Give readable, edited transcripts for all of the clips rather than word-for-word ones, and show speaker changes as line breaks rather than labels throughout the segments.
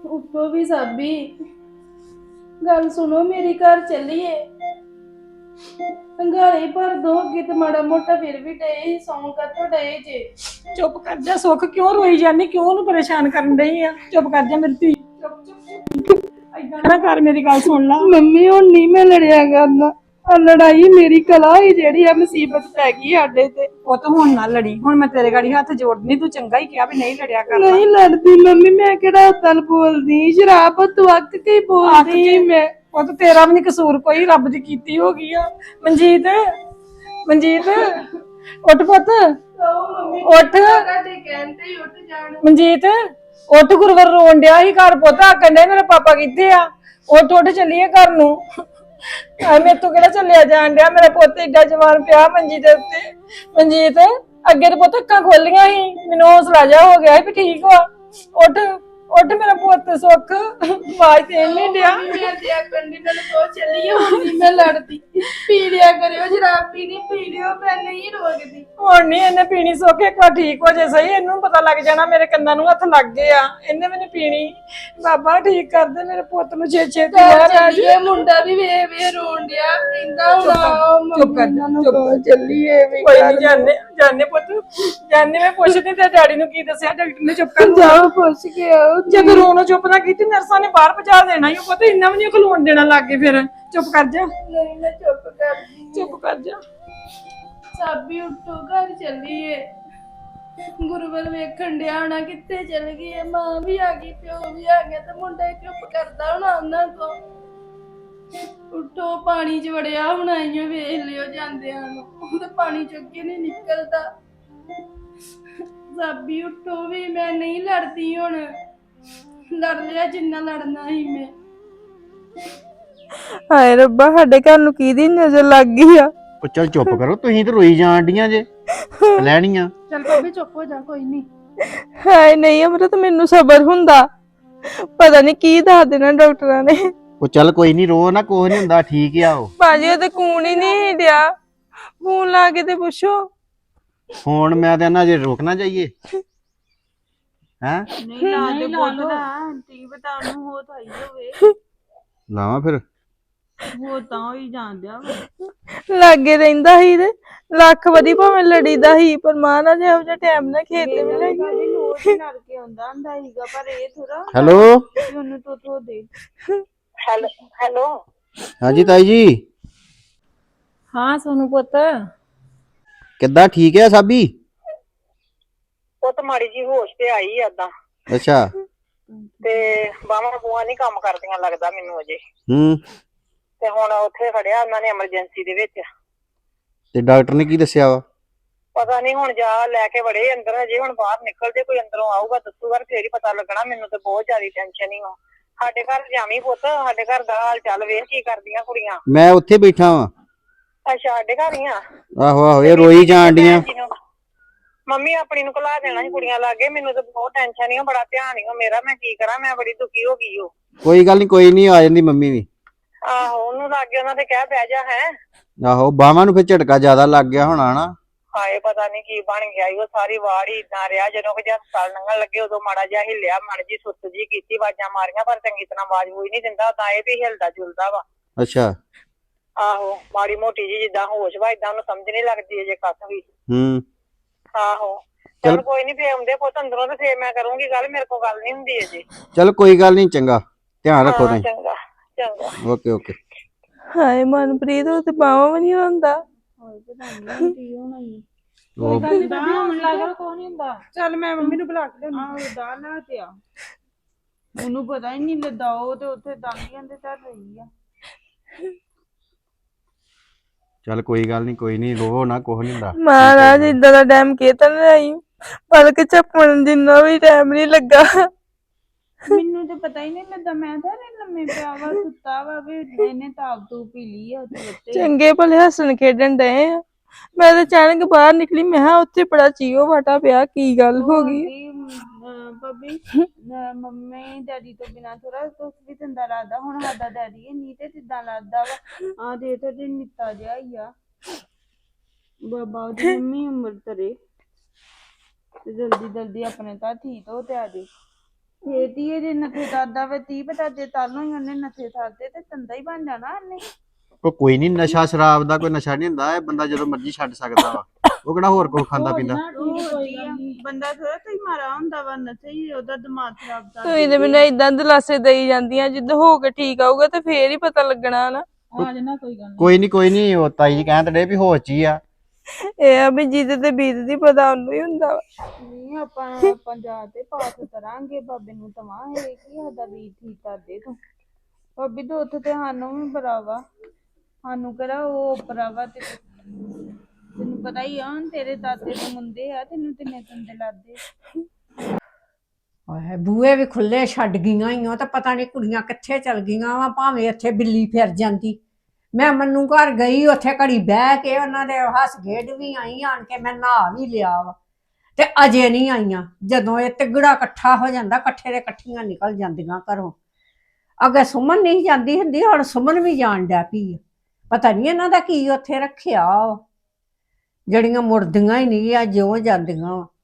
ਉੱਠੋ ਵੀ ਸਾਬੀ, ਗੱਲ ਸੁਣੋ ਮੇਰੀ, ਘਰ ਚੱਲੀਏ। ਅੰਗਾਰੇ ਭਰ ਦੋ, ਅੱਗੇ ਤੇ ਮਾੜਾ ਮੋਟਾ ਫਿਰ ਵੀ ਡਏ ਸੌਂ ਕੱਟੋ ਡਏ ਜੇ।
ਚੁੱਪ ਕਰ ਜਾ ਸੁੱਖ, ਕਿਉਂ ਰੋਈ ਜਾਂਦੀ, ਕਿਉਂ ਉਹਨੂੰ ਪਰੇਸ਼ਾਨ ਕਰਨ ਡਈ ਆ? ਚੁੱਪ ਕਰ ਜਾ ਮੇਰੀ ਧੀ, ਚੁੱਪ ਚੁੱਪ ਏਦਾਂ ਨਾ ਕਰ, ਮੇਰੀ ਗੱਲ ਸੁਣ ਲਾ।
ਮੰਮੀ ਹੁਣ ਨਹੀਂ ਮੈਂ ਲੜਿਆ ਕਰਨਾ, ਆ ਲੜਾਈ ਮੇਰੀ ਕਲਾ ਹੀ ਜਿਹੜੀ ਆ ਮੁਸੀਬਤ ਪੈ ਗਈ ਸਾਡੇ ਤੇ।
ਉਹ ਤਾਂ ਹੁਣ ਨਾ ਲੜੀ, ਹੁਣ ਮੈਂ ਤੇਰੇ ਗਾੜੀ ਹੱਥ ਜੋੜਨੀ, ਤੂੰ ਚੰਗਾ ਹੀ ਕਿਹਾ ਵੀ ਨਹੀਂ ਲੜਿਆ ਕਰਨਾ।
ਨਹੀਂ ਲੜਦੀ ਮੰਮੀ, ਮੈਂ ਕਿਹੜਾ ਉਦਣ ਬੋਲਦੀ, ਸ਼ਰਾਬ ਤੋਂ ਅੱਕ ਕੇ ਬੋਲਦੀ ਮੈਂ।
ਉਹ ਤਾਂ ਤੇਰਾ ਵੀ ਨੀ ਕਸੂਰ ਕੋਈ, ਰੱਬ ਦੀ ਕੀਤੀ ਹੋ ਗਈ ਆ। ਮਨਜੀਤ, ਮਨਜੀਤ ਉੱਠ ਪੁੱਤ, ਉੱਠ।
ਤੁਹਾਡੇ ਕਹਿੰਦੇ ਹੀ ਉੱਠ ਜਾਣ।
ਮਨਜੀਤ ਉੱਠ, ਗੁਰਵਰ ਰੋਣ ਡਿਆ ਸੀ ਘਰ ਪੁੱਤ, ਆਖਣ ਡਿਆ ਮੇਰੇ ਪਾਪਾ ਕਿੱਥੇ ਆ? ਉੱਠ ਉੱਠ ਚੱਲੀਏ ਘਰ ਨੂੰ। ਮੇਰੇ ਤੋਂ ਕਿਹੜਾ ਚੱਲਿਆ ਜਾਣ ਡਿਆ, ਮੇਰਾ ਪੁੱਤ ਏਡਾ ਜਵਾਨ ਪਿਆ ਮੰਜੀ ਦੇ ਉੱਤੇ। ਮਨਜੀਤ ਅੱਗੇ ਤੇ ਪੁੱਤ ਅੱਖਾਂ ਖੋਲੀਆਂ ਸੀ, ਮੈਨੂੰ ਹੌਸਲਾ ਜਾ ਹੋ ਗਿਆ ਸੀ ਵੀ ਠੀਕ ਵਾ। ਉੱਠ ਉੱਠ ਮੇਰਾ ਪੁੱਤ, ਸੁੱਖ ਆਵਾਜ਼ ਤੇ ਨਹੀਂ ਡਿਆ।
ਮੈਂ ਤੇ ਆਖਣ ਦੀ ਨਾਲ ਕੋ ਚੱਲੀਏ, ਹੁਣ ਨਹੀਂ ਮੈਂ ਲੜਦੀ। ਪੀ ਲਿਆ ਕਰਿਓ ਸ਼ਰਾਬ, ਪੀਣੀ ਪੀ ਲਿਓ, ਮੈਂ ਨਹੀਂ ਰੋਕਦੀ।
ਹੁਣ ਨਹੀਂ ਇਹਨੇ ਪੀਣੀ, ਸੁੱਖ ਇੱਕ ਵਾਰ ਠੀਕ ਹੋ ਜੇ ਸਹੀ, ਇਹਨੂੰ ਪਤਾ ਲੱਗ ਜਾਣਾ ਮੇਰੇ ਕੰਨਾਂ ਨੂੰ ਹੱਥ ਲੱਗ ਗਏ ਆ, ਇਹਨੇ ਵੀ ਨੀ ਪੀਣੀ। ਬਾਬਾ ਠੀਕ ਕਰ ਦੇ ਮੇਰੇ ਪੁੱਤ ਨੂੰ ਛੇਤੀ।
ਚੱਲੀਏ, ਮੁੰਡਾ ਵੀ ਵੇ ਵੇ ਰੋਣ ਡਿਆ, ਕਹਿੰਦਾ ਹੁਣ
ਚੁੱਪ ਕਰ ਜਾ, ਚੁੱਪ ਕਰ।
ਚੱਲੀਏ ਵੀ।
ਕੋਈ ਨਹੀਂ, ਜਾਣੇ ਜਾਣੇ ਪੁੱਤ, ਜਾਣੇ। ਮੈਂ ਪੁੱਛਦੀ ਤੇ ਡੈਡੀ ਨੂੰ ਕੀ ਦੱਸਿਆ, ਡਾਕਟਰ ਨੇ? ਚੁੱਪ ਕਰ
ਜਾਓ ਪੁੱਛ ਕੇ ਆਓ।
ਜਦੋਂ ਰੋਣੋਂ ਚੁੱਪ ਨਾ ਕੀਤੀ, ਨਰਸਾਂ ਨੇ ਬਾਹਰ ਪਹੁੰਚਾ ਦੇਣਾ ਹੀ, ਪੁੱਤ ਇੰਨਾ ਵੀ ਨਹੀਂ ਖਲੋਣ ਦੇਣਾ ਲੱਗੇ। ਫਿਰ ਚੁੱਪ ਕਰ ਜਾ,
ਨਹੀਂ ਮੈਂ ਚੁੱਪ ਕਰਦੀ।
ਚੁੱਪ ਕਰ ਜਾ।
ਸਾਬੀ ਉੱਠੋ, ਘਰ ਚੱਲੀਏ। ਗੁਰੂਵਲ ਵੇਖਣ ਡਿਆ ਹੋਣਾ ਕਿੱਥੇ ਚਲ ਗਈ ਹੈ, ਮਾਂ ਵੀ ਆ ਗਈ, ਪਿਓ ਵੀ ਆ ਗਿਆ, ਤੇ ਮੁੰਡਾ ਹੀ ਚੁੱਪ ਕਰਦਾ ਹੋਣਾ ਉਹਨਾਂ ਤੋਂ। ਉੱਠੋ, ਪਾਣੀ 'ਚ ਵੜਿਆ ਹੋਣਾ, ਆਈਓ ਵੇਖ ਲਿਓ ਜਾਂਦਿਆਂ ਨੂੰ, ਉਹ ਤਾਂ ਪਾਣੀ ਚੁੱਕ ਕੇ ਨਹੀਂ ਨਿਕਲਦਾ। ਸਾਬੀ ਉੱਠੋ ਵੀ, ਮੈਂ ਨਹੀਂ ਲੜਦੀ ਹੁਣ, ਲੜ ਲਿਆ ਜਿੰਨਾ ਲੜਨਾ ਸੀ ਮੈਂ।
ਹਾਏ ਰੱਬਾ, ਸਾਡੇ ਘਰ ਨੂੰ ਕਿਹਦੀ ਨਜ਼ਰ ਲੱਗ ਗਈ ਆ?
ਉਹ ਚੱਲ ਚੁੱਪ ਕਰੋ, ਤੁਸੀਂ ਤੇ ਰੋਈ ਜਾਣ ਡੀਆਂ ਜੇ ਲੈਣੀਆਂ।
ਚੱਲ ਭਾਬੀ ਚੁੱਪ ਹੋ ਜਾ, ਕੋਈ ਨਹੀਂ।
ਹਾਏ ਨਹੀਂ ਅਮਰਤ, ਮੈਨੂੰ ਸਬਰ ਹੁੰਦਾ, ਪਤਾ ਨਹੀਂ ਕੀ ਦੱਸ ਦੇਣਾ ਡਾਕਟਰਾਂ ਨੇ।
ਉਹ ਚੱਲ ਕੋਈ ਨਹੀਂ, ਰੋ ਨਾ, ਕੁਛ ਨਹੀਂ ਹੁੰਦਾ, ਠੀਕ ਆ ਉਹ।
ਭਾਜੀ ਉਹ ਤੇ ਖੂਨ ਹੀ ਨਹੀਂ ਡਿਆ, ਫੋਨ ਲਾ ਕੇ ਤੇ ਪੁੱਛੋ।
ਹੁਣ ਮੈਂ ਤੇ ਨਾ ਜੇ ਰੋਕਣਾ ਚਾਹੀਏ ਹੈ,
ਨਹੀਂ ਲਾ ਦੇ ਬੋਤਲ, ਆਂਟੀ ਬਤਾ ਉਹਨੂੰ ਹੋ ਤਾਂ ਆਈ ਹੋਵੇ।
ਲਾਵਾਂ ਫਿਰ।
ਹੋ ਤਾਂ ਹੀ ਜਾਂਦਿਆ ਲਾਗੇ ਰਹਿੰਦਾ ਸੀ ਤੇ ਲੱਖ ਵਾਰੀ ਭਾਵੇਂ ਲੜੀਦਾ ਸੀ, ਪਰ ਮਾਂ ਨਾਲ ਇਹੋ ਜਿਹਾ ਟਾਈਮ ਨਾ ਖੇਤ ਮਿਲੇਗੀ। ਲੜ ਕੇ ਆਉਂਦਾ ਹੁੰਦਾ ਸੀਗਾ, ਪਰ ਇਹ ਥੋੜਾ
ਹੈਲੋ,
ਉਹਨੂੰ ਤੋਂ ਦੇ।
ਹੈਲੋ
ਹਾਂਜੀ ਤਾਈ ਜੀ,
ਹਾਂ ਸੋਨੂੰ ਪੁੱਤ,
ਕਿੱਦਾਂ, ਠੀਕ ਹੈ ਸਾਬੀ?
ਉਹ ਤਾਂ ਮਾੜੀ ਜੀ ਹੋਸ਼ ਤੇ ਆਈ ਆ ਓਦਾਂ,
ਅੱਛਾ।
ਤੇ ਬਾਹਾਂ ਬੂਹਾਂ ਨਹੀਂ ਕੰਮ ਕਰਦੀਆਂ ਲੱਗਦਾ ਮੈਨੂੰ ਅਜੇ।
ਹੂੰ,
ਤੇ ਹੁਣ ਉੱਥੇ ਖੜਿਆ ਉਹਨਾਂ ਨੇ ਐਮਰਜੈਂਸੀ ਦੇ ਵਿੱਚ।
ਤੇ ਡਾਕਟਰ ਨੇ ਕੀ ਦੱਸਿਆ ਵਾ?
ਪਤਾ ਨਹੀਂ, ਹੁਣ ਜਾ ਲੈ ਕੇ ਵੜੇ ਅੰਦਰ, ਹਜੇ ਹੁਣ ਬਾਹਰ ਨਿਕਲਦੇ ਕੋਈ ਅੰਦਰੋਂ ਆਊਗਾ ਦੱਸੂਗਾ, ਫੇਰ ਹੀ ਪਤਾ ਲੱਗਣਾ। ਮੈਨੂੰ ਤੇ ਬਹੁਤ ਜ਼ਿਆਦਾ ਟੈਨਸ਼ਨ ਹੀ ਆ। ਸਾਡੇ ਘਰ ਜਾਵੀਂ ਪੁੱਤ, ਸਾਡੇ ਘਰ ਦਾ ਹਾਲ ਚਾਲ ਵੇਖ, ਕੀ ਕਰਦੀਆਂ ਕੁੜੀਆਂ।
ਮੈਂ ਉੱਥੇ ਬੈਠਾ ਵਾਂ।
ਅੱਛਾ, ਸਾਡੇ ਘਰ ਹੀ ਆ।
ਆਹੋ ਆਹੋ, ਇਹ ਰੋਈ ਜਾਣ ਡੀਆਂ।
ਮੰਮੀ ਆਪਣੀ ਨੂੰ ਘਲਾ ਦੇਣਾ ਸੀ ਕੁੜੀਆਂ ਲਾਗੇ, ਮੈਨੂੰ ਤਾਂ ਬਹੁਤ ਟੈਨਸ਼ਨ ਹੀ ਆ, ਬੜਾ ਧਿਆਨ ਹੀ ਮੇਰਾ, ਮੈਂ ਕੀ ਕਰਾਂ, ਮੈਂ ਬੜੀ ਦੁਖੀ ਹੋ ਗਈ। ਉਹ
ਕੋਈ ਗੱਲ ਨਹੀਂ, ਕੋਈ ਨਹੀਂ, ਆ ਜਾਂਦੀ ਮੰਮੀ ਵੀ।
ਆਹੋ, ਉਹਨੂੰ ਲਾਗੇ ਉਹਨਾਂ ਦੇ ਕਹਿ ਬਹਿ ਜਾ ਹੈ।
ਆਹੋ, ਬਾਹਾਂ ਨੂੰ ਫਿਰ ਝਟਕਾ ਜ਼ਿਆਦਾ ਲੱਗ ਗਿਆ ਹੋਣਾ ਨਾ।
ਹਾਏ ਪਤਾ ਨੀ ਕੀ ਬਣ ਗਿਆ, ਉਹ ਸਾਰੀ ਵਾੜ ਹੀ ਇਦਾਂ ਰਿਹਾ। ਜਦੋਂ ਕਿ ਹਸਪਤਾਲ ਲੰਘਣ ਲੱਗੇ ਉਦੋਂ ਮਾੜਾ ਜਿਹਾ ਹਿੱਲਿਆ, ਮਾੜੀ ਜੀ ਸੁੱਤ ਜੀ ਕੀਤੀ, ਆਵਾਜ਼ਾਂ ਮਾਰੀਆਂ, ਪਰ ਚੰਗੀ ਤਰ੍ਹਾਂ ਆਵਾਜ਼ ਹੋਈ ਨਹੀਂ ਦਿੰਦਾ। ਤਾਂ ਇਹ ਵੀ ਹਿਲਦਾ ਜੁਲਦਾ ਵਾ।
ਅੱਛਾ।
ਆਹੋ, ਮਾੜੀ ਮੋਟੀ ਜੀ ਜਿੱਦਾਂ ਹੋਸ਼ ਵਾ, ਏਦਾਂ ਉਹਨੂੰ ਸਮਝ ਨੀ ਲੱਗਦੀ ਅਜੇ ਕੱਖ ਵੀ।
ਹੂੰ,
ਆਹੋ, ਚਲ ਕੋਈ ਨੀ, ਫੇਰ ਆਉਂਦੇ ਪੁੱਤ ਅੰਦਰੋਂ ਤੇ ਫੇਰ ਮੈਂ ਕਰੂੰਗੀ ਗੱਲ, ਮੇਰੇ ਕੋਲ ਗੱਲ ਨੀ ਹੁੰਦੀ ਅਜੇ।
ਚਲ ਕੋਈ ਗੱਲ ਨਹੀਂ, ਚੰਗਾ, ਧਿਆਨ ਰੱਖੋ ਤੁਸੀਂ।
ਚੰਗਾ ਚੰਗਾ।
Okay okay.
ਹਾਏ ਮਨਪ੍ਰੀਤ, ਉਹ ਤੇ ਬਾਹਾਂ ਵੀ ਨਹੀਂ ਹੁੰਦਾ।
ਚੱਲ ਮੈਂ ਮੰਮੀ ਨੂੰ ਬੁਲਾ ਕੇ ਲਿਆਉਂਦੀ।
ਉਹਨੂੰ ਪਤਾ ਹੀ ਨਹੀਂ ਲੱਗਾ, ਉਹ ਤੇ ਉੱਥੇ ਦਾਂਗੀਆਂ ਦੇ ਧਰ ਰਹੀ ਆ।
ਚੱਲ ਕੋਈ ਗੱਲ ਨਹੀਂ, ਕੋਈ ਨਹੀਂ, ਰੋ ਨਾ, ਕੁਛ ਨਹੀਂ ਹੁੰਦਾ।
ਮਹਾਰਾਜ ਇਦਾਂ ਦਾ ਟਾਈਮ ਕਿਤੇ ਨਹੀਂ, ਪਲਕ ਝਪਕਣ ਜਿੰਨਾ ਵੀ ਟਾਈਮ ਨਹੀਂ ਲੱਗਾ। ਮੈਨੂੰ ਤੇ ਪਤਾ ਹੀ ਨਹੀਂ ਲੱਗਾ, ਮੈਂ ਤਾਂ ਲੰਮੇ ਪਿਆ ਵਾ, ਸੁੱਤਾ ਵਾ, ਵੀ ਇਹਨੇ ਤਾਪ ਤੂੰ ਪੀ ਲਈ ਆ ਉੱਤੇ। ਚੰਗੇ ਭਲੇ ਹੱਸਣ ਖੇਡਣ ਡਏ ਆ, ਮੈਂ ਤਾਂ ਅਚਾਨਕ ਬਾਹਰ ਨਿਕਲੀ, ਮੈਂ ਕਿਹਾ ਉੱਥੇ ਬੜਾ ਚੀਓ ਵਾਟਾ ਪਿਆ, ਕੀ ਗੱਲ ਹੋ ਗਈ? ਭਾਬੀ ਮੰਮੀ ਡੈਡੀ ਤੋਂ ਬਿਨਾਂ ਥੋੜਾ ਕੁਛ ਵੀ ਦਿੰਦਾ ਲੱਗਦਾ, ਹੁਣ ਸਾਡਾ ਡੈਡੀ ਨਹੀਂ ਤੇ ਕਿੱਦਾਂ ਲੱਗਦਾ ਵਾ। ਆ ਦੇ ਤੇ ਨਿੱਕਾ ਜਿਹਾ ਹੀ ਆ ਬਾਬਾ, ਉਹਦੀ ਮੰਮੀ ਉਮਰ ਤਰੇ ਤੇ ਜਲਦੀ ਜਲਦੀ ਆਪਣੇ ਤਾਂ ਠੀਕ ਹੋ ਤੇ ਆ ਜੇ। ਇਹ ਧੀਏ ਜੇ ਨਥੇ ਕਰਦਾ ਵੇ 30 ਪਤਾ ਜੇ ਤਾਲੋਂ ਹੀ ਉਹਨੇ ਨਥੇ ਕਰਦੇ ਤੇ ਤੰਦਾ ਹੀ ਬਣ ਜਾਣਾ ਉਹਨੇ।
ਕੋਈ ਨਹੀਂ, ਨਸ਼ਾ ਸ਼ਰਾਬ ਦਾ ਕੋਈ ਨਸ਼ਾ ਨਹੀਂ ਹੁੰਦਾ, ਇਹ ਬੰਦਾ ਜਦੋਂ ਮਰਜ਼ੀ ਛੱਡ ਸਕਦਾ ਵਾ। ਉਹ ਕਿਹੜਾ ਹੋਰ ਕੋਈ ਖਾਂਦਾ ਪੀਂਦਾ।
ਬੰਦਾ ਥੋੜਾ ਤੁਸੀਂ ਮਾਰਾ ਹੁੰਦਾ ਵਾ ਨਥੇ ਹੀ ਉਹਦਾ ਦਿਮਾਗ ਖਰਾਬ ਕਰ ਤੁਸੀਂ ਤੇ ਮੈਨੂੰ ਇਦਾਂ ਦਿਲਾਸੇ ਦੇਈ ਜਾਂਦੀਆਂ ਜਿੱਦ ਹੋ ਕੇ ਠੀਕ ਆਊਗਾ ਤੇ ਫੇਰ ਹੀ ਪਤਾ ਲੱਗਣਾ ਨਾ।
ਆ ਜਾਣਾ ਕੋਈ ਗੱਲ
ਕੋਈ ਨਹੀਂ, ਉਹ ਤਾਈ ਜੀ ਕਹਿੰਦੇ ਡੇ ਵੀ ਹੋਸ਼ 'ਚ ਹੀ ਆ।
ਇਹ ਆ ਵੀ ਜਿਹਦੇ ਤੇ ਬੀਤਦੀ ਪਤਾ ਉਹਨੂੰ ਹੀ ਹੁੰਦਾ ਵਾ। ਨਹੀਂ ਆਪਾਂ ਜਾ ਤੇ ਪਾਠ ਕਰਾਂਗੇ ਬਾਬੇ ਨੂੰ ਤਵਾਂਗੇ ਕਿ ਸਾਡਾ ਵੀ ਠੀਕ ਕਰ ਦੇ ਤੂੰ। ਭਾਬੀ ਤੋਂ ਉੱਥੇ ਤੇ ਸਾਨੂੰ ਵੀ ਬਰਾਵਾ, ਸਾਨੂੰ ਕਿਹੜਾ ਉਹ ਬਰਾਵਾ ਤੇ ਤੈਨੂੰ ਪਤਾ ਹੀ ਆ ਹੁਣ ਤੇਰੇ ਦਾਦੇ ਦੇ ਮੁੰਡੇ ਆ ਤੈਨੂੰ ਕਿੰਨੇ ਤੰਦੇ ਲੱਗਦੇ।
ਆਏ ਬੂਹੇ ਵੀ ਖੁੱਲੇ ਛੱਡ ਗਈਆਂ ਹੀ ਉਹ ਤਾਂ ਪਤਾ ਨਹੀਂ ਕੁੜੀਆਂ ਕਿੱਥੇ ਚਲ ਗਈਆਂ ਵਾ। ਭਾਵੇਂ ਇੱਥੇ ਬਿੱਲੀ ਫਿਰ ਜਾਂਦੀ। ਮੈਂ ਮੰਨੂ ਘਰ ਗਈ, ਉੱਥੇ ਘੜੀ ਬਹਿ ਕੇ ਉਹਨਾਂ ਦੇ ਹੱਸ ਖੇਡ ਵੀ ਆਈ, ਆਣ ਕੇ ਮੈਂ ਨਹਾ ਵੀ ਲਿਆ ਵਾ ਤੇ ਅਜੇ ਨਹੀਂ ਆਈਆਂ। ਜਦੋਂ ਇਹ ਤਿਗੜਾ ਇਕੱਠਾ ਹੋ ਜਾਂਦਾ, ਇਕੱਠੇ ਦੇ ਇਕੱਠੀਆਂ ਨਿਕਲ ਜਾਂਦੀਆਂ ਘਰੋਂ। ਅੱਗੇ ਸੁਮਨ ਨਹੀਂ ਜਾਂਦੀ ਹੁੰਦੀ, ਹੁਣ ਸੁਮਨ ਵੀ ਜਾਣ ਡੈ ਪਈ। ਪਤਾ ਨਹੀਂ ਇਹਨਾਂ ਦਾ ਕੀ ਉੱਥੇ ਰੱਖਿਆ ਵਾ, ਜਿਹੜੀਆਂ ਮੁੜਦੀਆਂ ਹੀ ਨਹੀਂ ਆ, ਜਿਉਂ ਜਾਂਦੀਆਂ ਵਾ।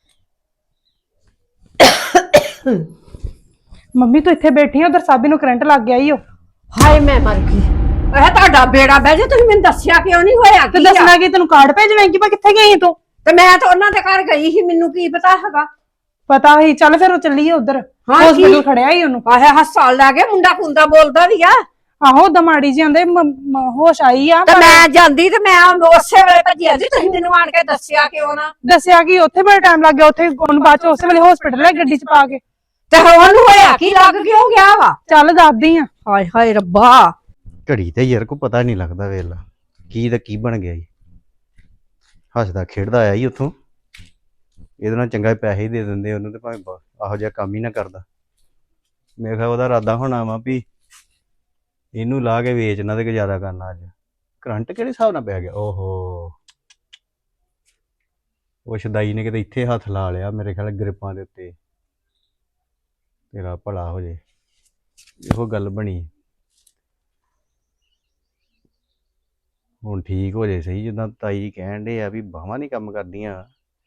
ਮੰਮੀ ਤੂੰ ਇੱਥੇ ਬੈਠੀ ਆ, ਉਧਰ ਸਾਬੀ ਨੂੰ ਕਰੰਟ ਲੱਗ ਗਿਆ ਈ ਓ।
ਹਾਏ ਮੈਂ ਮਰ ਗਈ। ਇਹ ਤੁਹਾਡਾ ਬੇੜਾ ਬਹਿ ਜਾ, ਤੁਸੀਂ ਮੈਨੂੰ ਦੱਸਿਆ ਕਿਉਂ ਨਹੀਂ ਹੋਇਆ?
ਤੇ ਦੱਸਣਾ ਕਿ ਤੈਨੂੰ ਕਾਰਡ ਭੇਜਣਾ ਕਿ ਕਿੱਥੇ ਗਈ ਤੂੰ?
ਤੇ ਮੈਂ ਤਾਂ ਉਹਨਾਂ ਦੇ ਘਰ ਗਈ ਸੀ, ਮੈਨੂੰ ਕੀ ਪਤਾ ਹੈਗਾ।
ਪਤਾ ਹੀ, ਚੱਲ ਫਿਰ ਉਹ ਚੱਲੀਏ ਉਧਰ।
ਹਾਂ,
ਹਸਪੀਟਲ ਖੜਿਆ ਹੀ ਉਹਨੂੰ।
ਆਹੇ ਹਸਪਤਾਲ ਲੈ ਕੇ ਮੁੰਡਾ ਕੁੰਦਾ ਬੋਲਦਾ ਵੀ ਆ।
ਆਹੋ ਦਮਾੜੀ ਜੀ ਆਂਦੇ ਹੋਸ਼ ਆਈ ਆ।
ਤੇ ਮੈਂ ਜਾਂਦੀ ਤੇ ਮੈਂ ਉਸੇ ਵੇਲੇ ਭੱਜੀ ਆਂਦੀ, ਤੁਸੀਂ ਮੈਨੂੰ ਆਣ ਕੇ ਦੱਸਿਆ ਕਿਉਂ ਨਾ?
ਦੱਸਿਆ ਕਿ ਉੱਥੇ ਬੜਾ ਟਾਈਮ ਲੱਗ ਗਿਆ, ਉੱਥੇ ਉਹਨੂੰ ਬਾਅਦ ਚ ਉਸੇ ਵੇਲੇ ਹਸਪੀਟਲ ਲੈ ਗੱਡੀ ਚ ਪਾ ਕੇ।
ਤੇ ਉਹਨੂੰ ਹੋਇਆ ਕੀ, ਲੱਗ ਕਿਉਂ ਗਿਆ ਵਾ?
ਚੱਲ ਦੱਸਦੀ ਆ।
ਹਾਏ ਹਾਏ ਰੱਬਾ।
ਘੜੀ ਤੇ ਯਾਰ ਕੋ ਪਤਾ ਨਹੀਂ ਲੱਗਦਾ, ਵੇਲਾ ਕੀ ਦਾ ਕੀ ਬਣ ਗਿਆ ਜੀ। ਹੱਸਦਾ ਖੇਡਦਾ ਆਇਆ ਹੀ ਉੱਥੋਂ, ਇਹਦੇ ਨਾਲ ਚੰਗਾ ਪੈਸੇ ਹੀ ਦੇ ਦਿੰਦੇ ਉਹਨੂੰ, ਤੇ ਭਾਵੇਂ ਇਹੋ ਜਿਹਾ ਕੰਮ ਹੀ ਨਾ ਕਰਦਾ। ਮੇਰੇ ਖਿਆਲ ਉਹਦਾ ਇਰਾਦਾ ਹੋਣਾ ਵਾ ਵੀ ਇਹਨੂੰ ਲਾ ਕੇ ਵੇਚਣਾ ਤੇ ਗੁਜ਼ਾਰਾ ਕਰਨਾ। ਅੱਜ ਕਰੰਟ ਕਿਹੜੇ ਹਿਸਾਬ ਨਾਲ ਪੈ ਗਿਆ? ਓਹੋ, ਉਹ ਸ਼ਦਾਈ ਨੇ ਕਿਤੇ ਇੱਥੇ ਹੱਥ ਲਾ ਲਿਆ ਮੇਰੇ ਖਿਆਲ ਗ੍ਰਿਪਾਂ ਦੇ ਉੱਤੇ। ਤੇਰਾ ਭਲਾ ਹੋ ਜੇ, ਇਹੋ ਗੱਲ ਬਣੀ। ਹੁਣ ਠੀਕ ਹੋ ਜੇ ਸਹੀ, ਜਿੱਦਾਂ ਤਾਈ ਕਹਿਣ ਡੇ ਆ ਵੀ ਬਾਹਾਂ ਨਹੀਂ ਕੰਮ ਕਰਦੀਆਂ।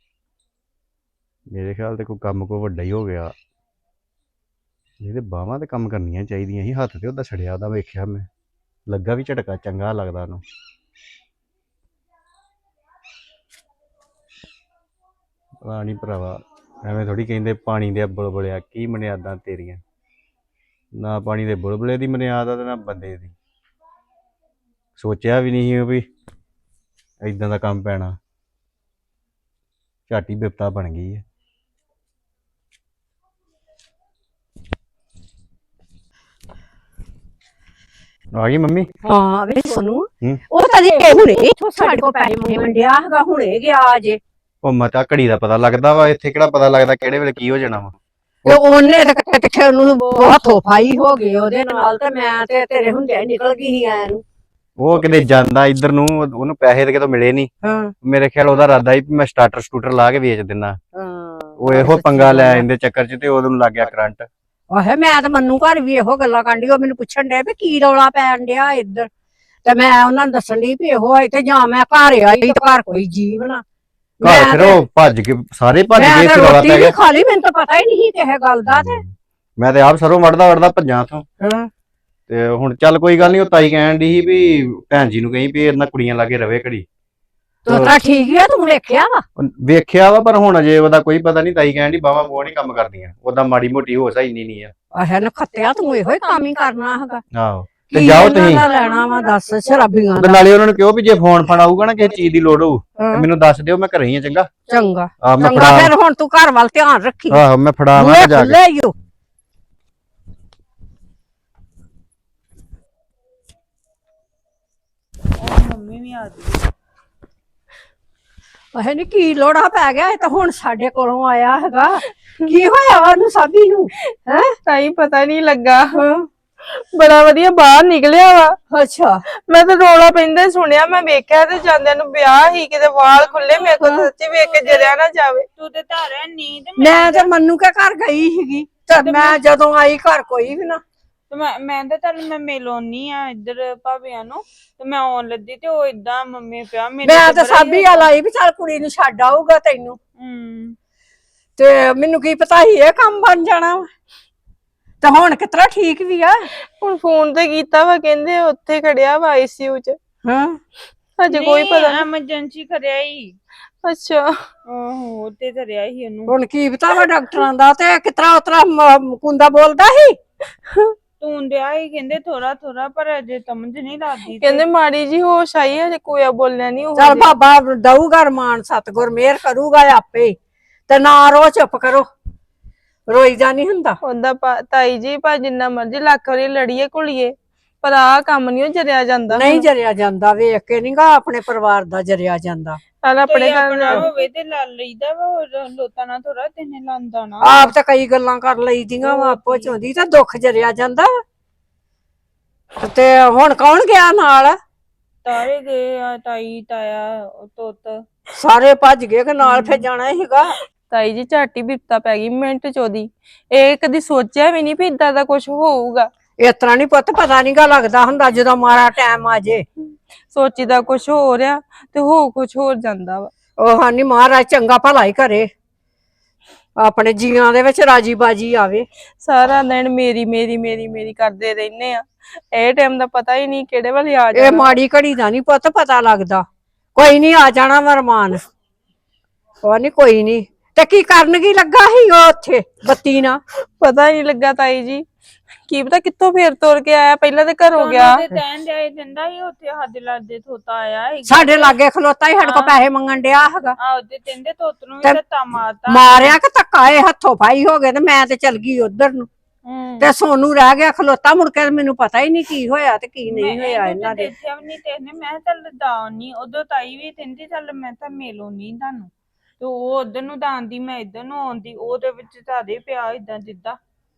ਮੇਰੇ ਖਿਆਲ ਤੇ ਕੋਈ ਕੰਮ ਕੋ ਵੱਡਾ ਹੀ ਹੋ ਗਿਆ। ਇਹਦੇ ਬਾਹਾਂ ਤੇ ਕੰਮ ਕਰਨੀਆਂ ਚਾਹੀਦੀਆਂ ਸੀ। ਹੱਥ ਤੇ ਉਹਦਾ ਛੜਿਆ, ਉਹਦਾ ਵੇਖਿਆ ਮੈਂ, ਲੱਗਾ ਵੀ ਝਟਕਾ ਚੰਗਾ ਲੱਗਦਾ ਉਹਨੂੰ। ਪਤਾ ਨੀ ਭਰਾਵਾ, ਐਵੇਂ ਥੋੜੀ ਕਹਿੰਦੇ ਪਾਣੀ ਦੇ ਬੁਲਬੁਲਿਆ, ਕੀ ਮਨਿਆਦਾਂ ਤੇਰੀਆਂ। ਨਾ ਪਾਣੀ ਦੇ ਬੁਲਬੁਲੇ ਦੀ ਮਨਿਆਦ ਆ ਤੇ ਨਾ ਬੰਦੇ ਦੀ। ਸੋਚਿਆ ਵੀ ਨਹੀਂ ਸੀ ਵੀ ਏਦਾਂ ਦਾ ਕੰਮ ਪੈਣਾ। ਝਾਟੀ ਬਿਪਤਾ ਬਣ ਗਈ ਹੈ। ਆ ਗਈ ਮੰਮੀ?
ਹਾਂ ਵੇ ਸੋਨੂੰ,
ਹੂੰ।
ਉਹ ਤਾਂ ਜੇ ਹੁਣੇ ਇੱਥੋਂ ਸਾਡੇ ਕੋਲ ਪੈਸੇ ਮੰਗਿਆ ਹੈਗਾ, ਹੁਣੇ ਗਿਆ ਅਜੇ।
ਉਹ ਮਤਾ ਘੜੀ ਦਾ ਪਤਾ ਲੱਗਦਾ ਵਾ, ਇੱਥੇ ਕਿਹੜਾ ਪਤਾ ਲੱਗਦਾ ਕਿਹੜੇ ਵੇਲੇ ਕੀ ਹੋ ਜਾਣਾ ਵਾ।
ਤੇ ਉਹਨੇ ਤਾਂ ਕਿੱਥੇ ਉਹਨੂੰ ਬਹੁਤ ਹੱਥੋਂ-ਪਾਈ ਹੋ ਗਈ ਉਹਦੇ ਨਾਲ, ਤੇ ਮੈਂ ਤੇ ਤੇਰੇ ਹੁੰਦਿਆਂ ਨਿਕਲ ਗਈ ਸੀ ਆਇਆ ਨੂੰ।
ਉਹ ਕਿਤੇ ਜਾਂਦਾ ਇੱਧਰ ਨੂੰ, ਉਹਨੂੰ ਪੈਸੇ ਤੇ ਕਿਤੋਂ ਮਿਲੇ ਨਹੀਂ।
ਹਾਂ
ਮੇਰੇ ਖਿਆਲ ਉਹਦਾ ਇਰਾਦਾ ਸੀ ਵੀ ਮੈਂ ਸਟਾਰਟਰ ਲਾ ਕੇ ਵੇਚ ਦਿੰਦਾ।
ਹਾਂ,
ਉਹ ਇਹੋ ਪੰਗਾ ਲੈ ਆਂਦੇ ਚੱਕਰ 'ਚ, ਤੇ ਉਹਨੂੰ ਲੱਗ ਗਿਆ ਕਰੰਟ।
ਆਹੇ ਮੈਂ ਤਾਂ ਮੰਨੂ ਘਰ ਵੀ ਇਹੋ ਗੱਲਾਂ ਕਾਂਢੀ, ਉਹ ਮੈਨੂੰ ਪੁੱਛਣ ਡੇ ਵੀ ਕੀ ਰੌਲਾ ਪੈਣ ਡਿਆ ਇੱਧਰ। ਤੇ ਮੈਂ ਉਹਨਾਂ ਨੂੰ ਦੱਸਣ ਡਈ ਵੀ ਇਹੋ ਇੱਥੇ, ਜਾਂ ਮੈਂ ਘਰ ਆਈ ਤੇ ਘਰ ਕੋਈ ਜੀਵ ਨਾ।
ਘਰ ਫਿਰ ਉਹ ਭੱਜ ਕੇ ਸਾਰੇ ਭੱਜ ਗਏ,
ਮੈਂ
ਰੌਲਾ
ਰੋਟੀ
ਪੈ
ਵੀ
ਗਿਆ।
ਖਾ ਲਈ, ਮੈਨੂੰ ਤਾਂ ਪਤਾ ਹੀ ਨਹੀਂ ਕਿਸੇ ਗੱਲ ਦਾ। ਤੇ
ਮੈਂ ਤੇ ਆਪ ਸਰੋਂ ਵੜਦਾ ਭੱਜਾਂ ਤੋਂ।
ਹਾਂ,
ਤੇ ਹੁਣ ਚੱਲ ਕੋਈ ਗੱਲ ਨਹੀਂ, ਉਹ ਤਾਈ ਕਹਿਣ ਦੀ ਸੀ ਵੀ ਭੈਣ ਜੀ ਨੂੰ ਕਹੀਂ ਵੀ ਇਹਨਾਂ ਕੁੜੀਆਂ ਲਾਗੇ ਰਵੇ ਘੜੀ।
ਤੂੰ ਤਾਂ ਠੀਕ ਹੈ, ਤੂੰ ਵੇਖਿਆ ਵਾ?
ਵੇਖਿਆ ਵਾ, ਪਰ ਹੁਣ ਅਜੇ ਉਹਦਾ ਕੋਈ ਪਤਾ ਨਹੀਂ। ਤਾਈ ਕਹਿਣ ਦੀ ਬਾਵਾ ਉਹ ਨਹੀਂ ਕੰਮ ਕਰਦੀਆਂ, ਉਹਦਾ ਮਾੜੀ ਮੋਟੀ ਹੋਸ਼ ਇੰਨੀ ਨਹੀਂ ਆ।
ਆਹੇ ਨਖੱਤਿਆ, ਤੂੰ ਇਹੋ ਹੀ ਕੰਮ ਹੀ ਕਰਨਾ ਹੈਗਾ।
ਆਹੋ, ਤੇ
ਕੀ
ਜਾਓ
ਇਹਨਾਂ
ਤੁਸੀਂ।
ਦਾ ਲੈਣਾ ਵਾ ਦੱਸ ਸ਼ਰਾਬੀਆਂ
ਤੇ
ਦਾ।
ਨਾਲੇ ਉਹਨਾਂ ਨੂੰ ਕਿਹਾ ਵੀ ਜੇ ਫੋਨ ਫਾਨ ਆਊਗਾ ਨਾ ਕਿਸੇ ਚੀਜ਼ ਦੀ ਲੋੜ ਹੋਊ ਤੇ
ਹਾਂ।
ਮੈਨੂੰ ਦੱਸ ਦਿਓ, ਮੈਂ ਘਰੇ ਹੀ ਆ। ਚੰਗਾ
ਚੰਗਾ
ਆ, ਮੈਂ
ਚੰਗਾ,
ਫੜਾ।
ਫਿਰ ਹੁਣ ਤੂੰ ਘਰ ਵੱਲ ਧਿਆਨ ਰੱਖੀ।
ਆਹੋ, ਮੈਂ ਫੜਾਵਾਂ
ਬੂਹੇ
ਜਾ ਕੇ।
ਖੁੱਲੇ ਈ ਓ।
ਮੰਮੀ ਵੀ ਆ ਗਈ।
ਆਹੇ ਨੀ ਕੀ ਲੋੜਾ ਪੈ ਗਿਆ, ਇਹ ਤਾਂ ਹੁਣ ਸਾਡੇ ਕੋਲੋਂ ਆਇਆ ਹੈਗਾ। ਕੀ ਹੋਇਆ ਵਾ ਉਹਨੂੰ ਸਾਬੀ ਨੂੰ? ਹੈ
ਤਾਈ ਪਤਾ ਨਹੀਂ ਲੱਗਾ, ਬੜਾ ਵਧੀਆ ਬਾਹਰ ਨਿਕਲਿਆ ਵਾ।
ਅੱਛਾ,
ਮੈਂ ਤਾਂ ਰੌਲਾ ਪੈਂਦਾ ਸੁਣਿਆ, ਮੈਂ ਵੇਖਿਆ ਤੇ ਜਾਂਦਿਆਂ ਨੂੰ ਵਿਆਹ ਹੀ ਕਿਤੇ ਵਾਲ ਖੁੱਲੇ। ਮੇਰੇ ਕੋਲ ਸੱਚੀ ਵੇਖ ਕੇ ਜਰਿਆ ਨਾ ਜਾਵੇ। ਤੂੰ ਤੇ ਧਾਰਿਆ ਨੀ ਤੇ
ਮੈਂ ਤੇ ਮੰਨੂ ਕੇ ਘਰ ਗਈ ਸੀਗੀ, ਤੇ ਮੈਂ ਜਦੋਂ ਆਈ ਘਰ ਕੋਈ ਵੀ ਨਾ।
ਮੈਂ ਤਾਂ ਚੱਲ ਮੈਂ ਮਿਲੋਨੀ ਆ ਇੱਧਰ ਭਾਬੀਆਂ ਨੂੰ, ਤੇ ਮੈਂ ਆਉਣ ਲੱਗੀ ਤੇ ਉਹ ਏਦਾਂ ਮੰਮੀ ਪਿਆ ਮੇਰੇ
ਮੈਂ ਤਾਂ ਸਾਬੀ ਆ ਲਾਈ ਵੀ ਚੱਲ ਕੁੜੀ ਨੂੰ ਛੱਡ ਆਊਗਾ ਤੈਨੂੰ। ਤੇ ਮੈਨੂੰ ਕੀ ਪਤਾ ਸੀ ਇਹ ਕੰਮ ਬਣ ਜਾਣਾ ਵਾ। ਤੇ ਹੁਣ ਕਿਤਰਾ ਠੀਕ ਵੀ ਆ?
ਹੁਣ ਫੋਨ ਤੇ ਕੀਤਾ ਵਾ, ਕਹਿੰਦੇ ਉੱਥੇ ਖੜਿਆ ਵਾ ICU ਚ।
ਹਾਂ
ਹਜੇ ਕੋਈ ਪਤਾ ਨਹੀਂ।
ਐਮਰਜੈਂਸੀ ਕਰਿਆ ਹੀ।
ਅੱਛਾ
ਆਹੋ ਉੱਤੇ ਧਰਿਆ ਹੀ ਉਹਨੂੰ।
ਹੁਣ ਕੀ ਪਤਾ ਵਾ ਡਾਕਟਰਾਂ ਦਾ, ਤੇ ਕਿਤਰਾ ਉਤਰਾ ਕੁੰਦਾ ਬੋਲਦਾ ਸੀ।
ਤੂੰ ਡਿਆ ਹੀ ਕਹਿੰਦੇ ਥੋੜਾ ਥੋੜਾ, ਪਰ ਅਜੇ ਸਮਝ ਨਹੀਂ ਲੱਗਦੀ।
ਕਹਿੰਦੇ ਮਾੜੀ ਜੀ ਹੋਸ਼ ਆਈ, ਹਜੇ ਕੋਇਆ ਬੋਲਿਆ ਨਹੀਂ।
ਚੱਲ ਬਾਬਾ ਦਊਗਾ ਰਮਾਨ, ਸਤਿਗੁਰ ਮਿਹਰ ਕਰੂਗਾ ਆਪੇ। ਤੇ ਨਾ ਰੋ, ਚੁੱਪ ਕਰੋ, ਰੋਈਦਾ ਨਹੀਂ ਹੁੰਦਾ।
ਉਹਦਾ ਤਾਈ ਜੀ ਭਾ ਜਿੰਨਾ ਮਰਜੀ ਲੱਖ ਵਾਰੀ ਲੜੀਏ ਘੁਲੀਏ, ਪਰ ਆਹ ਕੰਮ ਨਹੀਂ ਜਰਿਆ ਜਾਂਦਾ।
ਨਹੀਂ ਜਰਿਆ ਜਾਂਦਾ, ਵੇਖ ਕੇ ਨਹੀਂਗਾ ਆਪਣੇ ਪਰਿਵਾਰ ਦਾ ਜਰਿਆ ਜਾਂਦਾ।
ਚੱਲ ਆਪਣੇ
ਆਪਣਾ
ਘਰ
ਹੋਵੇ ਤੇ ਲਾ ਲਈਦਾ ਵਾ, ਹੋਰ ਲੋਤਾਂ ਨਾਲ ਥੋੜਾ ਤੈਨੇ ਲਾਂਦਾ ਨਾ।
ਆਪ ਤਾਂ ਕਈ ਗੱਲਾਂ ਕਰ ਲਈਦੀਆਂ ਵਾ ਆਪੋ ਚ, ਹੁੰਦੀ ਤਾਂ ਦੁੱਖ ਜਰਿਆ ਜਾਂਦਾ ਵਾ। ਤੇ ਹੁਣ ਕੌਣ ਗਿਆ ਨਾਲ?
ਤਾਰੇ ਗਏ ਆ, ਤਾਈ ਤਾਇਆ ਤੁੱਤ
ਸਾਰੇ ਭੱਜ ਗਏ ਕਿ ਨਾਲ ਫਿਰ ਜਾਣਾ ਸੀਗਾ?
ਤਾਈ ਜੀ ਝਾਟੀ ਬਿਪਤਾ ਪੈ ਗਈ ਮਿੰਟ ਚ ਉਹਦੀ। ਇਹ ਕਦੀ ਸੋਚਿਆ ਵੀ ਨਹੀਂ ਵੀ ਇਦਾਂ ਦਾ ਕੁਝ ਹੋਊਗਾ।
ਇਸ ਤਰ੍ਹਾਂ ਨੀ ਪੁੱਤ, ਪਤਾ ਨੀਗਾ ਲੱਗਦਾ ਹੁੰਦਾ ਜਦੋਂ ਮਾੜਾ ਟਾਈਮ ਆ ਜੇ।
ਸੋਚੀਦਾ ਕੁਝ ਹੋ ਰਿਹਾ ਤੇ ਹੋ ਕੁਝ ਹੋਰ ਜਾਂਦਾ ਵਾ।
ਉਹ ਹਾਨੀ ਮਹਾਰਾਜ ਚੰਗਾ ਭਲਾ ਹੀ ਕਰੇ, ਆਪਣੇ ਜੀਆਂ ਦੇ ਵਿੱਚ ਰਾਜੀ ਬਾਜੀ ਆਵੇ।
ਸਾਰਾ ਦਿਨ ਮੇਰੀ ਮੇਰੀ ਮੇਰੀ ਮੇਰੀ ਕਰਦੇ ਰਹਿੰਦੇ ਆ। ਇਹ ਟਾਈਮ ਦਾ ਪਤਾ ਹੀ ਨਹੀਂ ਕਿਹੜੇ ਵੇਲੇ ਆ
ਇਹ
ਜਾਣਾ।
ਮਾੜੀ ਘੜੀ ਦਾ ਨੀ ਪੁੱਤ ਪਤਾ ਲੱਗਦਾ। ਕੋਈ ਨੀ, ਆ ਜਾਣਾ ਮਰਮਾਨ। ਉਹ ਨੀ, ਕੋਈ ਨੀ। ਤੇ ਕੀ ਕਰਨ ਕੀ ਲੱਗਾ ਸੀ ਉਹ ਉੱਥੇ ਬੱਤੀ ਨਾ?
ਪਤਾ ਹੀ ਨਹੀਂ ਲੱਗਾ ਤਾਈ ਜੀ, ਕੀ ਪਤਾ ਕਿੱਥੋਂ ਫੇਰ ਤੋਰ ਕੇ ਆਇਆ। ਪਹਿਲਾਂ ਤੇ ਘਰੋਂ ਗਿਆ।
ਤੇ ਤੈਨ ਜਾਏ ਦਿੰਦਾ ਹੀ ਉੱਥੇ ਸਾਡੇ ਲਾਦੇ ਥੋਤਾ ਆਇਆ ਸੀ।
ਸਾਡੇ ਲਾਗੇ ਖਲੋਤਾ ਹੀ, ਸਾਡੇ ਕੋਲ ਪੈਸੇ ਮੰਗਣ ਡਿਆ ਹੈਗਾ।
ਆਹ ਤੇ ਕਹਿੰਦੇ ਤੋਤ ਨੂੰ ਵੀ ਧੱਤਾ ਮਾਰਤਾ।
ਮਾਰਿਆ ਕਿ ਧੱਕਾ, ਇਹ ਹੱਥੋਂ ਫਾਈ ਹੋ ਗਏ ਤੇ ਮੈਂ ਤੇ ਚਲ ਗਈ ਉਧਰ ਨੂੰ। ਤੇ ਸੋਨੂੰ ਰਹਿ ਗਿਆ ਖਲੋਤਾ। ਮੁੜ ਕੇ ਮੈਨੂੰ ਪਤਾ ਹੀ ਨਹੀਂ ਕੀ ਹੋਇਆ ਤੇ ਕੀ ਨਹੀਂ ਹੋਇਆ ਇਹਨਾਂ ਦੇ।
ਦੇਖਿਆ ਵੀ ਨਹੀਂ ਤੈਨੇ। ਮੈਂ ਕਿਹਾ ਚੱਲ ਦਾਉ ਨਹੀਂ, ਉਦੋਂ ਤਾਈ ਵੀ ਕਹਿੰਦੀ ਚੱਲ ਮੈਂ ਤਾਂ ਮਿਲੋ ਨਹੀਂ ਤੁਹਾਨੂੰ। ਤੇ ਉਹ ਉਧਰ ਨੂੰ ਦਾਂਦੀ, ਮੈਂ ਇੱਧਰ ਨੂੰ ਆਉਂਦੀ, ਉਹਦੇ ਵਿੱਚ ਤੁਹਾਡੇ ਪਿਆ ਇਦਾਂ ਜਿੱਦਾਂ।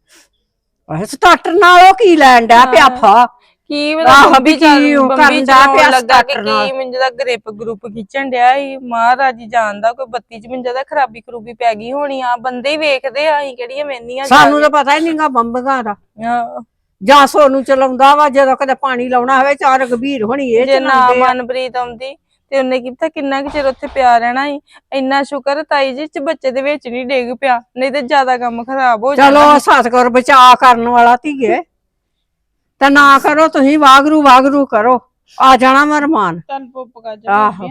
ਸਟਾਰਟਰ ਨਾਲ ਉਹ ਕੀ ਲੈਣ ਡਿਆ ਪਿਆ ਫਾ?
ਕੀ
ਆਹੋ
ਬੰਬੀ
ਵੀ ਕੀ ਉਹ ਕਰਨ ਡਿਆ ਪਿਆ
ਲੱਗਾ ਕਿ
starter ਨਾਲ।
ਕੀ ਮੈਨੂੰ ਦਾ ਗ੍ਰਿਪ ਗਰੁੱਪ ਖਿੱਚਣ ਡਿਆ ਸੀ। ਮਹਾਰਾਜ ਜੀ ਜਾਣਦਾ, ਕੋਈ ਬੱਤੀ ਚ ਮੈਨੂੰ ਦਾ ਖਰਾਬੀ ਖਰੂਬੀ ਪੈ ਗਈ ਹੋਣੀ ਆ। ਬੰਦੇ ਹੀ ਵੇਖਦੇ ਆ, ਅਸੀਂ ਕਿਹੜੀਆਂ ਵੇਂਦੀਆਂ।
ਸਾਨੂੰ ਤਾਂ ਪਤਾ ਹੀ ਨਹੀਂਗਾ ਬੰਬੀਆਂ ਦਾ।
ਹਾਂ।
ਜਾਂ ਸੋਨੂੰ ਚਲਾਉਂਦਾ ਵਾ, ਜਦੋਂ ਕਦੇ ਪਾਣੀ ਲਾਉਣਾ ਹੋਵੇ ਚਾਰ ਗੰਭੀਰ ਹੋਣੀ ਇਹ
ਜੇ ਨਾ
ਚਲਾਉਂਦੇ ਆ।
ਮਨਪ੍ਰੀਤ ਆਉਂਦੀ ਤੇ ਉਹਨੇ ਕੀ ਪਤਾ ਕਿੰਨਾ ਕੁ ਚਿਰ ਉੱਥੇ ਪਿਆ ਰਹਿਣਾ ਸੀ। ਇੰਨਾ ਸ਼ੁਕਰ ਤਾਈ ਜੀ ਚ ਬੱਚੇ ਦੇ ਵਿੱਚ ਨਹੀਂ ਡਿੱਗ ਪਿਆ, ਨਹੀਂ ਤੇ ਜ਼ਿਆਦਾ ਕੰਮ ਖਰਾਬ ਹੋ ਜਾਣਾ।
ਚਲੋ ਸਤਿਗੁਰ ਬਚਾ ਕਰਨ ਵਾਲਾ ਧੀਏ। ਤੇ ਨਾ ਕਰੋ ਤੁਸੀਂ, ਵਾਗਰੂ ਵਾਗਰੂ ਕਰੋ, ਆ ਜਾਣਾ ਮਰਮਾਨ।
ਚੱਲ ਪੁੱਪ ਕਰ
ਆਹੋ।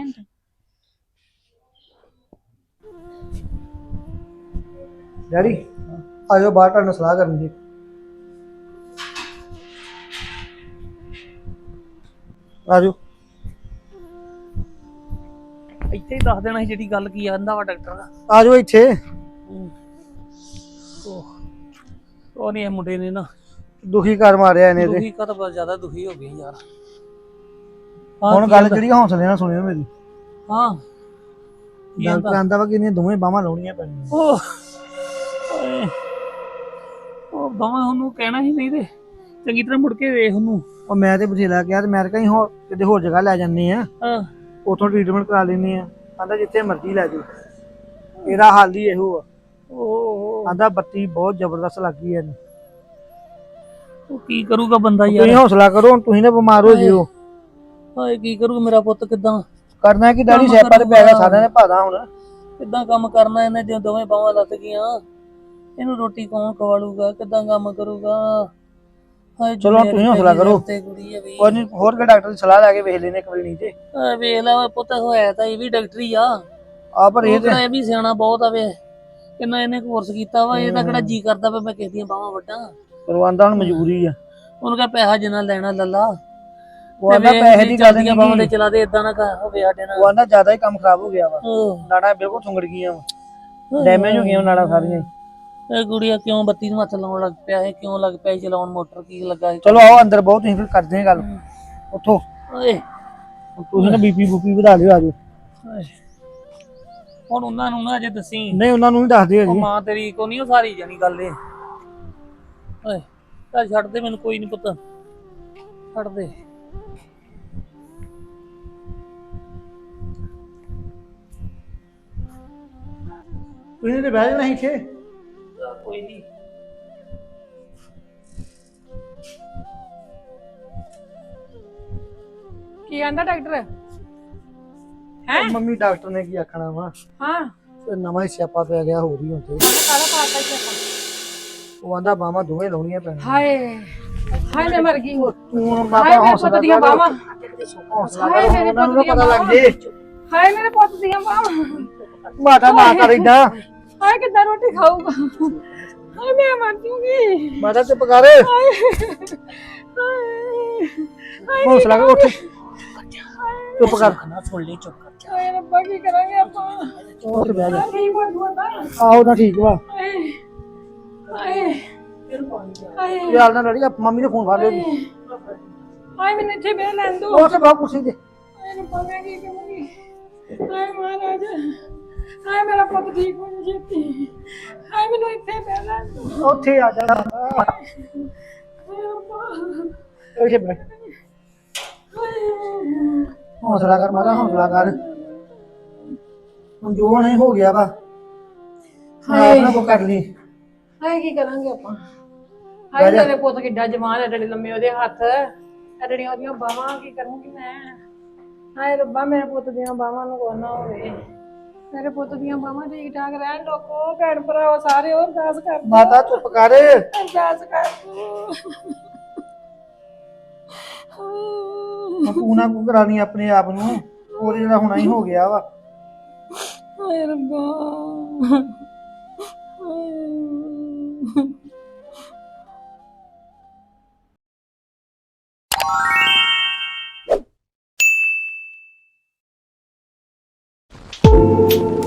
ਡੈਡੀ ਆਜੋ ਬਾਹਰ ਤੁਹਾਡੇ ਨਾਲ ਸਲਾਹ ਕਰਨ ਦੀ। ਆਜੋ।
ਇੱਥੇ ਹੀ ਦੱਸ ਦੇਣਾ ਸੀ ਜਿਹੜੀ ਗੱਲ ਕੀ ਆਂਦਾ ਵਾ ਡਾਕਟਰ।
ਆਜੋ ਇੱਥੇ।
ਉਹ ਨਹੀਂ, ਇਹ ਮੁੰਡੇ ਨੇ ਨਾ
ਦੁਖੀ ਕਰ ਮਾਰਿਆ ਇਹਨੇ ਤੇ।
ਦੁਖੀ ਤਾਂ ਬਹੁਤ ਜ਼ਿਆਦਾ ਦੁਖੀ ਹੋ ਗਏ ਯਾਰ।
ਹੁਣ ਗੱਲ ਜਿਹੜੀ ਹੌਸਲੇ ਨਾਲ ਸੁਣਿਓ ਮੇਰੀ।
ਹਾਂ
ਡਾਕਟਰ ਆਂਦਾ ਵਾ ਕਿ ਇਹਨੇ ਦੋਵੇਂ ਬਾਹਾਂ ਲਾਉਣੀਆਂ ਪੈਣੀਆਂ।
ਉਹ ਬਾਹਾਂ ਉਹਨੂੰ ਕਹਿਣਾ ਹੀ ਨਹੀਂ ਤੇ ਚੰਗੀ ਤਰ੍ਹਾਂ ਮੁੜ ਕੇ ਵੇਖ ਉਹਨੂੰ।
ਉਹ ਮੈਂ ਤੇ ਬਥੇਰਾ ਕਿਹਾ ਤੇ ਮੈਂ ਕਹੀਂ ਹੋਰ ਕਿਤੇ ਹੋਰ ਜਗ੍ਹਾ ਲੈ ਜਾਂਦੇ ਆ,
ਹਾਂ
ਉਥੋਂ ਟ੍ਰੀਟਮੈਂਟ ਕਰਾ ਲੈਂਦੇ ਆ। ਆਂਦਾ ਜਿੱਥੇ ਮਰਜ਼ੀ ਲੈ ਜਾਓ, ਇਹਦਾ ਹਾਲ ਹੀ ਇਹੋ ਆ।
ਉਹ
ਆਂਦਾ ਬੱਤੀ ਬਹੁਤ ਜ਼ਬਰਦਸਤ ਲੱਗੀ ਇਹਨੂੰ।
ਕੀ ਕਰੂਗਾ ਬੰਦਾ
ਤੁਸੀਂ
ਯਾਰ?
ਹੌਸਲਾ ਕਰੋ, ਹੁਣ ਤੁਸੀਂ ਨਾ ਬਿਮਾਰ ਹੋ ਜਿਓ।
ਹਾਏ ਕੀ ਕਰੂਗਾ ਮੇਰਾ ਪੁੱਤ? ਕਿੱਦਾਂ
ਕਰਨਾ ਕਿ ਡੈਡੀ, ਸਿਆਪਾ ਤੇ ਪੈ ਗਿਆ ਸਾਰਿਆਂ ਨੇ ਭਾਦਾ ਹੁਣ।
ਕਿੱਦਾਂ ਕੰਮ ਕਰਨਾ ਇਹਨੇ ਜੇ ਦੋਵੇਂ ਬਾਹਾਂ ਲੱਤ ਗਈਆਂ? ਇਹਨੂੰ ਰੋਟੀ ਕੌਣ ਖਵਾਲੂਗਾ? ਕਿੱਦਾਂ ਕੰਮ ਕਰੂਗਾ? ਹਾਏ
ਚਲੋ ਤੁਸੀਂ ਹੌਸਲਾ ਕਰੋ।
ਤੇ ਕੁੜੀ ਆ ਵੀ।
ਕੋਈ ਨੀ, ਹੋਰ ਕੇ ਡਾਕਟਰ ਦੀ ਸਲਾਹ ਲੈ ਕੇ ਵੇਖ ਲੈਨੇ ਇੱਕ ਵਾਰੀ ਨਹੀਂ ਤੇ।
ਵੇਖ ਲਾ ਪੁੱਤ, ਹੋਇਆ ਤਾਂ ਇਹ ਵੀ ਡਾਕਟਰੀ ਆ।
ਆ ਪਰ ਇਹ ਤੇ
ਇਹ ਵੀ ਸਿਆਣਾ ਬਹੁਤ ਆਵੇ। ਕਿੰਨਾ ਇਹਨੇ ਕੋਰਸ ਕੀਤਾ ਵਾ। ਇਹਦਾ ਕਿਹੜਾ ਜੀ ਕਰਦਾ ਵਾ ਮੈਂ ਕਿਸੇ ਦੀਆਂ ਬਾਹਾਂ ਵੱਢਾਂ।
ਕਰਵਾਉਂਦਾ ਹੁਣ ਮਜਬੂਰੀ ਆ।
ਉਹਨੂੰ ਕਹ ਪੈਸਾ ਜਿੰਨਾ ਲੈਣਾ ਲੱਲਾ।
ਉਹ ਆਂਦਾ ਪੈਸੇ ਦੀ ਗੱਲ ਨਹੀਂ
ਬਾਹਾਂ ਦੇ ਚਲਾ ਦੇ, ਏਦਾਂ ਨਾ ਹੋਵੇ ਸਾਡੇ ਨਾਲ।
ਉਹ ਆਂਦਾ ਜ਼ਿਆਦਾ ਹੀ ਕੰਮ ਖਰਾਬ ਹੋ ਗਿਆ ਵਾ।
ਉਹ
ਨਾੜਾਂ ਬਿਲਕੁਲ ਸੁੰਗੜ ਗਈਆਂ ਵਾ, ਡੈਮੇਜ ਹੋ ਗਈਆਂ ਨਾੜਾਂ ਸਾਰੀਆਂ।
ਇਹ ਗੁੜੀਆ ਕਿਉਂ ਬੱਤੀ ਨੂੰ ਹੱਥ ਲਾਉਣ ਲੱਗ ਪਿਆ ਹੈ? ਕਿਉਂ ਲੱਗ ਪਿਆ ਚਲਾਉਣ? ਮੋਟਰ ਕੀ ਲੱਗਾ ਸੀ?
ਚਲੋ ਆਓ ਅੰਦਰ ਬਹੁਤ, ਤੁਸੀਂ ਫਿਰ ਕਰਦੇ ਆ ਗੱਲ ਉੱਥੋਂ।
ਓਏ
ਤੁਸੀਂ ਨਾ ਬੀਪੀ ਬੂਪੀ ਵਧਾ ਲਿਓ, ਆਜੋ।
ਹੁਣ ਉਹਨਾਂ ਨੂੰ ਨਾ ਅਜੇ ਦੱਸੀ।
ਨਹੀਂ ਉਹਨਾਂ ਨੂੰ ਵੀ ਦੱਸਦੇ
ਉਹ
ਜੀ।
ਮਾਂ ਤੇਰੀ ਕੋ ਨਹੀਂ ਸਾਰੀ ਜਾਣੀ ਗੱਲ ਇਹ। ਓਏ ਚੱਲ ਛੱਡ ਦੇ ਮੈਨੂੰ, ਕੋਈ ਨਹੀਂ ਪੁੱਤ, ਛੱਡ ਦੇ।
ਤੁਸੀਂ ਤੇ ਬਹਿ ਜਾਣਾ ਇੱਥੇ।
ਕੋਈ ਨਹੀਂ।
ਕੀ ਆਂਦਾ ਡਾਕਟਰ?
ਮੰਮੀ ਡਾਕਟਰ ਨੇ ਕੀ ਆਖਣਾ ਵਾ?
ਹਾਂ
ਤੇ ਨਵਾਂ ਹੀ ਸਿਆਪਾ ਪੈ ਗਿਆ ਹੋਰ ਹੀ ਹੁਣ ਤੇ
ਕਾਹਦਾ ਪਾਤਾ ਸੀ ਆਪਾਂ
ਉਹ ਆਂਦਾ ਬਾਹਾਂ ਦੋਵੇਂ ਲਾਉਣੀਆਂ ਪੈਣੀਆਂ
ਹਾਏ ਹਾਏ ਮੈਂ ਮਰ ਗਈ
ਤੂੰ
ਹਾਏ
ਮਾਤਾ
ਮੇਰੇ
ਹੌਸਲਾ
ਪੁੱਤ ਦੀਆਂ
ਕਰ
ਬਾਹਾਂ
ਹੌਸਲਾ
ਹਾਏ
ਕਰ
ਮੇਰੇ
ਉਹਨਾਂ
ਪੁੱਤ
ਨੂੰ
ਦੀਆਂ
ਪਤਾ ਲੱਗ
ਬਾਹਾਂ
ਜੇ
ਹਾਏ ਮੇਰੇ ਪੁੱਤ ਦੀਆਂ ਬਾਹਾਂ
ਮਾਤਾ ਨਾ ਕਰ ਇਦਾਂ
ਹਾਏ ਕਿੱਦਾਂ ਰੋਟੀ ਖਾਊਗਾ ਹਾਏ ਮੈਂ ਮਰ ਜੂਗੀ
ਮਾਤਾ ਚੁੱਪ ਕਰ
ਹਾਏ
ਹੌਸਲਾ ਕਰ ਉੱਠ ਚੁੱਪ ਕਰ
ਨਾ ਸੁਣ ਲਈ ਚੁੱਪ ਕਰ ਜਾ
ਹਾਏ ਰੱਬਾ ਕੀ ਕਰਾਂਗੇ ਆਪਾਂ
ਉੱਠ ਬਹਿ ਜਾ
ਨਹੀਂ ਬੋਲਦਾ
ਆਹੋ ਤਾਂ ਠੀਕ ਵਾ
ਹਾਏ ਹਾਏ ਹਾਏ
ਯਾਰ ਨਾ ਲੜੀ ਮੰਮੀ ਨੇ ਫੋਨ ਫੜ ਲਿਆ
ਹਾਏ ਮੈਨੂੰ ਇੱਥੇ ਬਹਿ ਲੈਣ ਦੋ
ਉਹ ਤੇ ਬਾਹਰ ਕੁਰਸੀ ਤੇ
ਹਾਏ ਰੱਬਾ ਮੈਂ ਕੀ ਕਰਾਂਗੀ ਹਾਏ ਮਹਾਰਾਜ ਹਾਏ ਮੇਰਾ ਪੁੱਤ ਠੀਕ ਹੋ ਜਾ ਛੇਤੀ ਹਾਏ ਮੈਨੂੰ ਇੱਥੇ ਬਹਿ ਲੈਣ ਦੋ
ਉੱਥੇ ਆ ਜਾ
ਹਾਏ ਰੱਬਾ
ਇੱਥੇ ਬੈਠ
ਹਾਏ
ਹੌਸਲਾ ਕਰ ਮਾਤਾ ਹੌਸਲਾ ਕਰ ਹੁਣ ਜੋ ਨਹੀਂ ਹੋ ਗਿਆ ਵਾ ਆਪਣਾ ਕੋ ਕਰ ਲਈ
ਹਾਏ ਕੀ ਕਰਾਂਗੇ ਆਪਾਂ
ਬਹਿ
ਹਾਏ
ਜਾ।
ਮੇਰੇ ਪੁੱਤ ਕਿੱਡਾ ਜਵਾਨ ਐਡੇ ਲੰਮੇ ਉਹਦੇ ਹੱਥ ਐਡੀਆਂ ਉਹਦੀਆਂ ਬਾਹਾਂ ਕੀ ਕਰੂੰਗੀ ਮੈਂ ਹਾਏ ਰੱਬਾ ਮੇਰੇ ਪੁੱਤ ਦੀਆਂ ਬਾਹਾਂ ਨੂੰ ਕੋਈ ਨਾ ਹੋਵੇ ਮੇਰੇ ਪੁੱਤ ਦੀਆਂ ਬਾਹਾਂ ਠੀਕ ਠਾਕ ਰਹਿਣ ਲੋਕੋ ਭੈਣ ਭਰਾਓ ਸਾਰੇ ਹੋਰ ਅਰਦਾਸ ਕਰ
ਮਾਤਾ ਚੁੱਪ ਕਰ
ਅਰਦਾਸ ਕਰ
ਤੂੰ ਨਾ ਕੋ ਕਰਾਣੀ ਆਪਣੇ ਆਪ ਨੂੰ ਹੋਰ ਜਿਹੜਾ ਹੋਣਾ ਹੀ ਹੋ ਗਿਆ ਵਾ
ਹਾਏ ਰੱਬਾ ਹਾਏ